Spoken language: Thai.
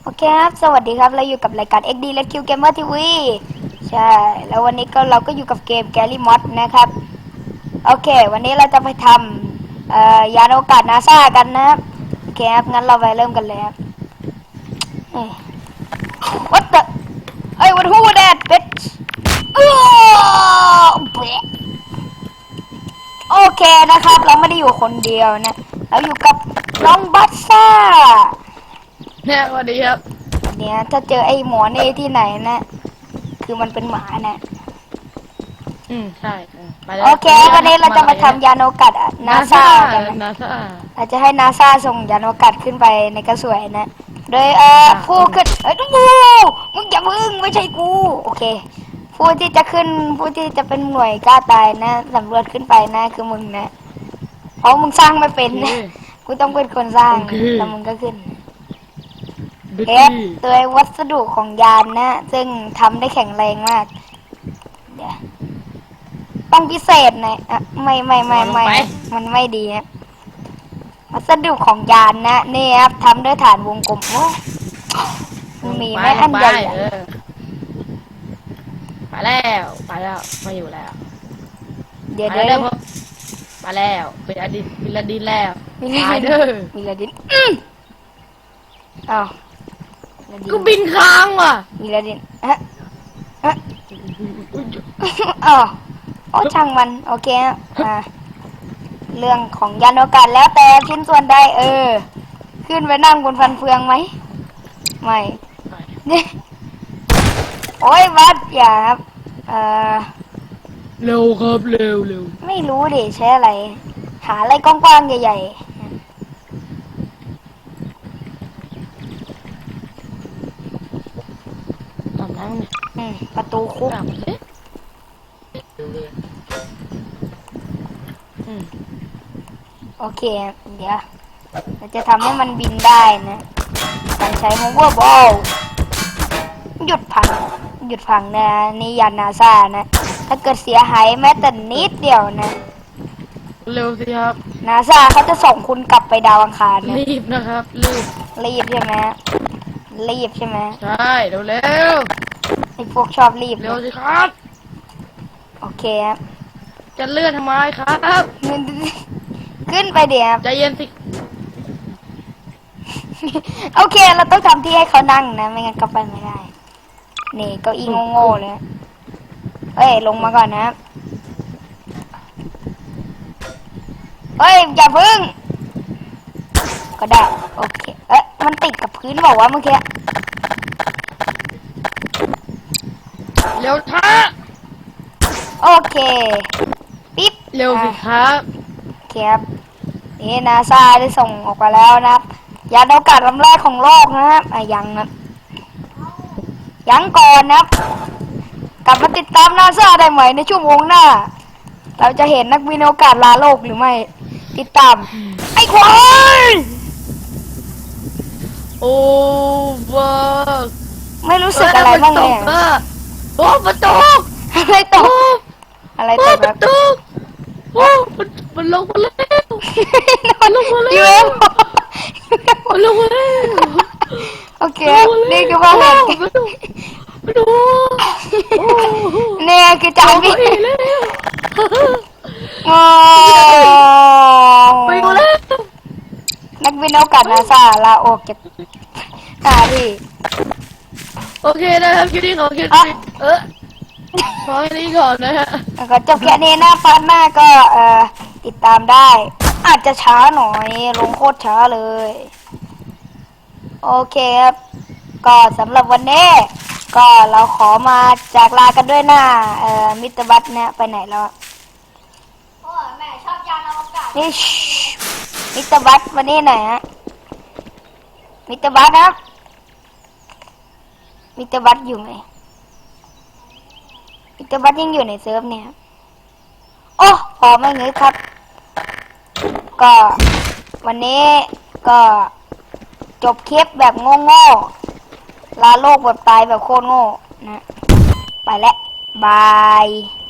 โอเคครับสวัสดีครับเราอยู่กับรายการ XD Red Q Gamer TV ใช่แล้ววันนี้เราก็อยู่กับเกม Gary Mod นะครับโอเควันนี้เราจะไปทำยานอวกาศนาซากันนะครับโอเคครับงั้นเราไปเริ่มกันเลยครับWhat the เอ้ย What who that bitch เบ๊ะโอเคนะครับเราไม่ได้อยู่คนเดียวนะเราอยู่กับน้องบัสซ่าเนี่ยสวัสดีครับเนี่ยถ้าเจอไอ้หมอนี่ที่ไหนนะคือมันเป็นหมานะใช่ไปแล้วโอเควันนี้เราจะมาทำยานอวกาศนาซากันนะนาซาเราจะให้นาซาส่งยานอวกาศขึ้นไปในกระสวยนะโดยผู้ขึ้นดูมึงอย่าพึ่งไม่ใช่กูโอเคผู้ที่จะขึ้นผู้ที่จะเป็นหน่วยกล้าตายนะสำรวจขึ้นไปนะคือมึงนะเพราะมึงสร้างไม่เป็นนะกูต้องเป็นคนสร้างแล้วมึงก็ขึ้นเอฟโดยวัสดุของยานนะซึ่งทำได้แข็งแรงมากเดี๋ยวต้องพิเศษหน่อยไม่มันไม่ดีนะวัสดุของยานนะนี่ครับทำด้วยฐานวงกลมมีไม่อันใหญ่ไปแล้วมาอยู่แล้วเดี๋ยวไปแล้วเป็นอดีตวิลาดินแล้วตายเด้อวิลาดินอ้าวก็บินค้างว่ะวิลาดินอ๋อโอ้ช่างมันโอเคเรื่องของยานอวกาศแล้วแต่ชิ้นส่วนใดขึ้นไปนั่งบนฟันเฟืองไหมไม่โอ้ยวัดอย่าครับเร็วครับเร็วไม่รู้ดิใช้อะไรหาอะไรกว้างๆใหญ่ๆทำแล้วเนี่ยประตูคุกโอเคเดี๋ยวเราจะทำให้มันบินได้นะการใช้ hoverball หยุดพังนะนี่ยานนาซานะถ้าเกิดเสียหายแม้แต่นิดเดียวนะเร็วสิครับนาซาเขาจะส่งคุณกลับไปดาวอังคารนะรีบนะครับรีบใช่ไหมใช่เร็วไอ้พวกชอบรีบเร็วสิครับโอเคครับจะเลื่อนทำไมครับขึ้นไปเดี๋ยวใจเย็นสิโอเคเราต้องทำที่ให้เขานั่งนะไม่งั้นก็ไปไม่ได้นี่เก้าอี้โง่ๆเลยเฮ้ยลงมาก่อนนะเฮ้ยอย่าพึ่งก็ได้โอเคมันติดกับพื้นบอกว่าเมื่อกี้เร็วช้าโอเคปิ๊บเร็วสิครับครับนี่นาซาได้ส่งออกไปแล้วนะครับยานอวกาศลำแรกของโลกนะครับยังก่อนนะครับกลับมาติดตามนาซาได้ไหมในชั่วโมงหน้าเราจะเห็นนักบินอวกาศลาโลกหรือไม่ติดตามไอ้ควายโอ้ว้าไม่รู้สึกอะไรบ้างเลยโอ้ประตูอะไรตกอะไรตกประตูโอ้มันลงมาแล้วมันลงมาแล้วมันลงมาแล้วโอเคนี่คือว่าอะไรมาดูเนี่ยคือจานบินไปแล้วนักบินอวกาศนาซาลาออกจากหน้าที่โอเคนะครับคลิปนี้ขอแค่นี้ขอแค่นี้ก่อนนะฮะก็จบแค่นี้นะพาร์ทหน้าก็ติดตามได้อาจจะช้าหน่อยลงโคตรช้าเลยโอเคครับก็สำหรับวันนี้ก็เราขอมาจากลากันด้วยหน้ามิสเตอร์บัตเนี่ยไปไหนแล้วพ่อแม่ชอบยานอวกาศนี่มิสเตอร์บัตวันนี้ไหนฮะมิสเตอร์บัตนะมิสเตอร์บัตอยู่ไหมมิสเตอร์บัตยังอยู่ในเซิร์ฟเนี่ยโอ้พอไม่เงยครับก็วันนี้ก็จบคลิปแบบโง่ๆลาโลกแบบตายแบบโคตรโง่นะไปแล้วบาย